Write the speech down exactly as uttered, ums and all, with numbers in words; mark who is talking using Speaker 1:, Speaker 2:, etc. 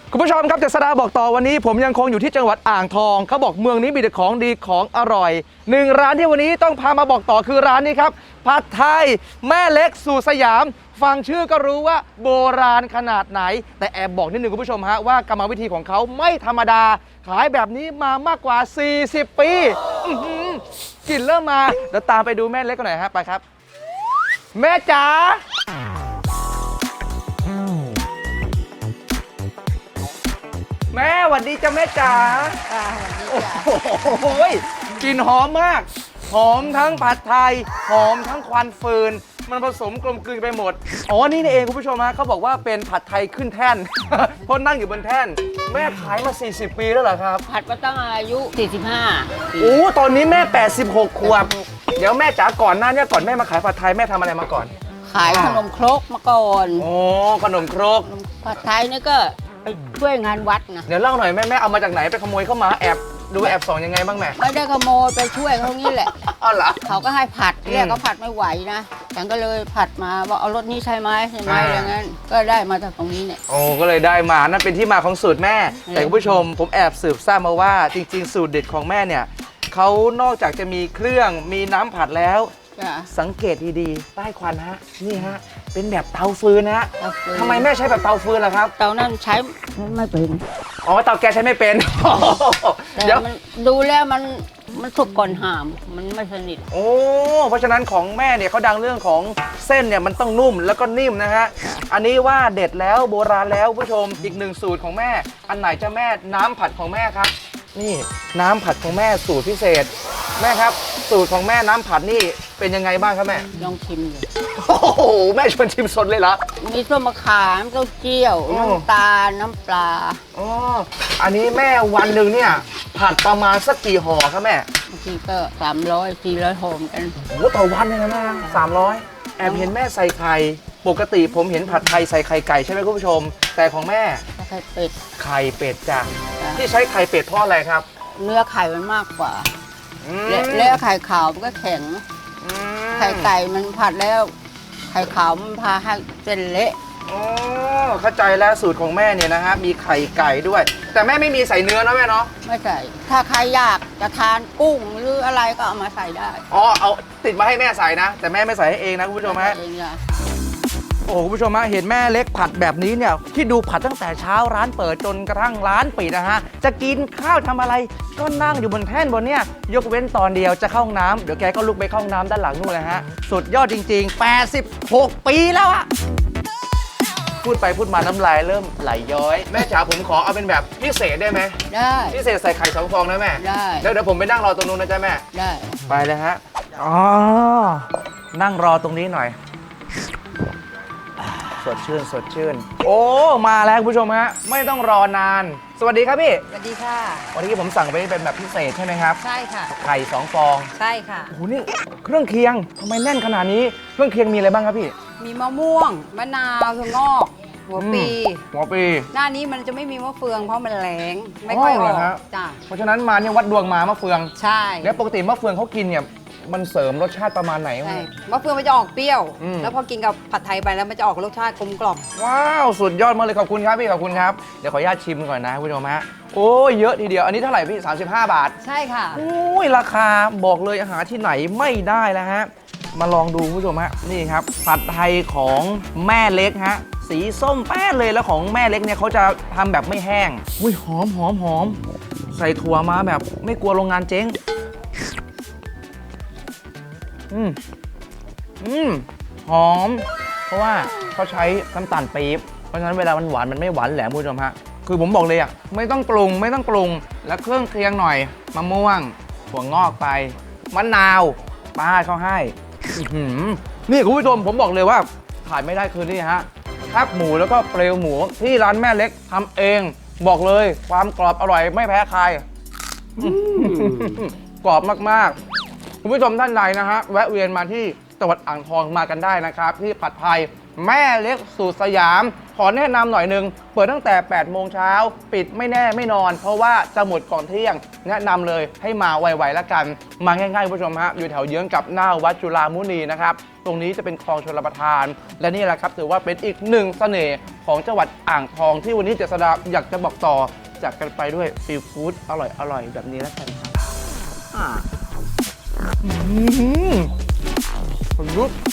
Speaker 1: คุณผู้ชมครับเจษฎาบอกต่อวันนี้ผมยังคงอยู่ที่จังหวัดอ่างทองเขาบอกเมืองนี้มีแต่ของดีของอร่อยหนึ่งร้านที่วันนี้ต้องพามาบอกต่อคือร้านนี้ครับผัดไทยแม่เล็กสู่สยามฟังชื่อก็รู้ว่าโบราณขนาดไหนแต่แอบบอกนิดนึงคุณผู้ชมฮะว่ากรรมวิธีของเขาไม่ธรรมดาขายแบบนี้มามากกว่า สี่สิบ ปีกลิ่นเริ่มมาเดี๋ยวตามไปดูแม่เล็กกันหน่อยฮะไปครับแม่จ๋าแม่หวัดดีจ้ะแม่จ๋าโอ้โหกลิ่นหอมมากหอมทั้งผัดไทยหอมทั้งควันฟืนมันผสมกลมกลืนไปหมดอ๋อนี่นี่เองคุณผู้ชมฮะเขาบอกว่าเป็นผัดไทยขึ้นแท่น เพราะนั่งอยู่บนแท่นแม่ขายมาสี่สิบปีแล้วเหรอครับ
Speaker 2: ผัดมาตั้งอายุสี่สิบห้า
Speaker 1: โอ้ตอนนี้แม่แปดสิบหกขวบเดี๋ยวแม่จ๋าก่อนหน้านี้ก่อนแม่มาขายผัดไทยแม่ทำอะไรมาก่อน
Speaker 2: ขายขนมครกมาก่อน
Speaker 1: โอ้ขนมครก
Speaker 2: ผัดไทยนี่ก็ไปช่วยงานวัดนะ
Speaker 1: เดี๋ยวเล่าหน่อยแม่แม่เอามาจากไหนไปขโมยเข้ามาแอบดูแอบส่องยังไงบ้างแม่
Speaker 2: ไม่ได้ขโมยไปช่วยเขางี้แหละ
Speaker 1: อ๋อเหรอ
Speaker 2: เขาก็ให้ผัดเรียกเขาผัดไม่ไหวนะฉันก็เลยผัดมาว่าเอารถนี้ใช่ไหมใช่ไหมอย่างนั้นก็ได้มาจากตรงนี้เนี่ย
Speaker 1: โอ้ก็เลยได้มานั่นเป็นที่มาของสูตรแม่แต่คุณผู้ชมผมแอบสืบทราบมาว่าจริงๆสูตรเด็ดของแม่เนี่ยเขานอกจากจะมีเครื่องมีน้ำผัดแล้วสังเกตดีๆใต้ควันฮะนี่ฮะเป็นแบบเตาฟืนนะทำไมแม่ใช้แบบเตาฟืนล่ะครับ
Speaker 2: เตานั้นใช้ไม่เป็น
Speaker 1: อ๋อเตาแก๊สใช้ไม่เป็น
Speaker 2: เดี๋ยวมันดูแล้วมันมันสุกก่อนหามมันไม่สนิท
Speaker 1: โอ้เพราะฉะนั้นของแม่เนี่ยเขาดังเรื่องของเส้นเนี่ยมันต้องนุ่มแล้วก็นิ่มนะฮะอันนี้ว่าเด็ดแล้วโบราณแล้วผู้ชมอีกหนึ่งสูตรของแม่อันไหนจะแม่น้ำผัดของแม่ครับนี่น้ำผัดของแม่สูตรพิเศษแม่ครับสูตรของแม่น้ำผัดนี่เป็นยังไงบ้างครับแม่
Speaker 2: ลองชิมดู
Speaker 1: โอ้โหแม่ชวนชิมสดเลยเหรอ
Speaker 2: มีส้มมะขามเต้าเจี้ยวน้ำตาลน้ำปลา
Speaker 1: อ๋ออันนี้แม่วันหนึ่งเนี่ยผัดประมาณสักกี่ห่อครับแม่
Speaker 2: บางทีก็สามร้อยสี่ร้อยห่อกัน
Speaker 1: โอ้ต่อวันเลยนะแม่สามร้อยแอบเห็นแม่ใส่ไข่ปกติผมเห็นผัดไทยใส่ไข่ไก่ใช่ไหมคุณผู้ชมแต่ของแม่
Speaker 2: ไข่เป็ด
Speaker 1: ไข่เป็ดจ้ะที่ใช้ไข่เป็ดเพราะอะไรครับ
Speaker 2: เนื้อไข่มันมากกว่าแล้วไข่ขาวมันก็แข็งไข่ไก่มันผัดแล้วไข่ขาวมันพาให้เส้นเละ
Speaker 1: อ๋อเข้าใจแล้วสูตรของแม่เนี่ยนะฮะมีไข่ไก่ด้วยแต่แม่ไม่มีใส่เนื้อนะแม่เนาะ
Speaker 2: ไม่ใส่ถ้าใครอยากจะทานกุ้งหรืออะไรก็เอามาใส่ได้
Speaker 1: อ๋อเอาติดมาให้แม่ใส่นะแต่แม่ไม่ใส่ให้เองนะคุณผู้ชมฮะโอ้คุณผู้ชมฮะเห็นแม่เล็กผัดแบบนี้เนี่ยที่ดูผัดตั้งแต่เช้าร้านเปิดจนกระทั่งร้านปิดนะฮะจะกินข้าวทำอะไรก็นั่งอยู่บนแท่นบนเนี่ยยกเว้นตอนเดียวจะเข้าห้องน้ำเดี๋ยวแกก็ลุกไปเข้าห้องน้ำด้านหลังนู่นเลยฮะสุดยอดจริงๆแปดสิบหกปีแล้วอะพูดไปพูดมาน้ำลายเริ่มไหลย้อยแม่จ๋าผมขอเอาเป็นแบบพิเศษได้ไหม
Speaker 2: ได้
Speaker 1: พิเศษใส่ไข่สองฟองนะแม่
Speaker 2: ได้
Speaker 1: แล้วเดี๋ยวผมไปนั่งรอตรงนู้นนะจ๊ะแม่
Speaker 2: ได้
Speaker 1: ไปเลยฮะอ๋อนั่งรอตรงนี้หน่อยสดชื่นสดชื่นโอ้มาแล้วคุณผู้ชมฮะไม่ต้องรอนานสวัสดีครับพี่
Speaker 2: สวัสดีค่ะ
Speaker 1: วันนี้ผมสั่งไปเป็นแบบพิเศษใช่ไหมครับ
Speaker 2: ใช่ค่ะ
Speaker 1: ไข่สองฟอง
Speaker 2: ใช่ค่ะ
Speaker 1: โอ้โหนี่เครื่องเคียงทำไมแน่นขนาดนี้เครื่องเคียงมีอะไรบ้างครับพี่
Speaker 2: มีมะม่วงมะนาวถั่วงอกหัวปี
Speaker 1: หัวปี
Speaker 2: หน้านี้มันจะไม่มีมะเฟืองเพราะมันแรงไม่ค่อยออก
Speaker 1: จ้ะเพราะฉะนั้นมาเนี่ยวัดดวงมามะเฟือง
Speaker 2: ใช่
Speaker 1: แล้วปกติมะเฟืองเขากินเนี่ยมันเสริมรสชาติประมาณไหน
Speaker 2: ใช่มะเฟืองมันจะออกเปรี้ยวแล้วพอกินกับผัดไทยไปแล้วมันจะออกรสชาติกลมกล่อม
Speaker 1: ว้าวสุดยอดมากเลยขอบคุณครับพี่ขอบคุณครับเดี๋ยวขออนุญาตชิมก่อนนะคุณผู้ชมฮะโอ้เยอะทีเดียวอันนี้เท่าไหร่พี่สามสิบห้าบาท
Speaker 2: ใช่ค่ะ
Speaker 1: โอ้ยราคาบอกเลยอาหารที่ไหนไม่ได้แล้วฮะมาลองดูคุณผู้ชมฮะนี่ครับผัดไทยของแม่เล็กฮะสีส้มแป้เลยแล้วของแม่เล็กเนี่ยเขาจะทำแบบไม่แห้งอุ้ยหอมหอมหอมใส่ถั่วมาแบบไม่กลัวโรงงานเจ๊งอืมอืมหอมเพราะว่าเขาใช้น้ำตาลปี๊บเพราะฉะนั้นเวลามันหวานมันไม่หวานแหลมคุณผู้ชมฮะคือผมบอกเลยอ่ะไม่ต้องปรุงไม่ต้องปรุงแล้วเครื่องเคียงหน่อยมะม่วงถั่วงอกไปมะนาวป้าเขาให้นี่คุณผู้ชมผมบอกเลยว่าขาดไม่ได้คือนี่ฮะแคบหมูแล้วก็เปลวหมูที่ร้านแม่เล็กทำเองบอกเลยความกรอบอร่อยไม่แพ้ใครกรอบมากๆคุณผู้ชมท่านใดนะฮะแวะเวียนมาที่จังหวัดอ่างทองมากันได้นะครับที่ผัดไทยแม่เล็กสูตรสยาม ขอแนะนำหน่อยหนึง เปิดตั้งแต่แปดโมงเช้าปิดไม่แน่ไม่นอน เพราะว่าจะหมดก่อนเที่ยง แนะนำเลยให้มาไวๆแล้วกัน มาง่ายๆคุณผู้ชมฮะอยู่แถวเยื้องกับหน้าวัดจุฬามุนีนะครับ ตรงนี้จะเป็นคลองชลประทาน และนี่แหละครับถือว่าเป็นอีกหนึ่งเสน่ห์ของจังหวัดอ่างทองที่วันนี้เจษฎาอยากจะบอกต่อจากกันไปด้วยซีฟู้ดอร่อยๆแบบนี้แล้วกันครับอ่าอืมประยุทธ์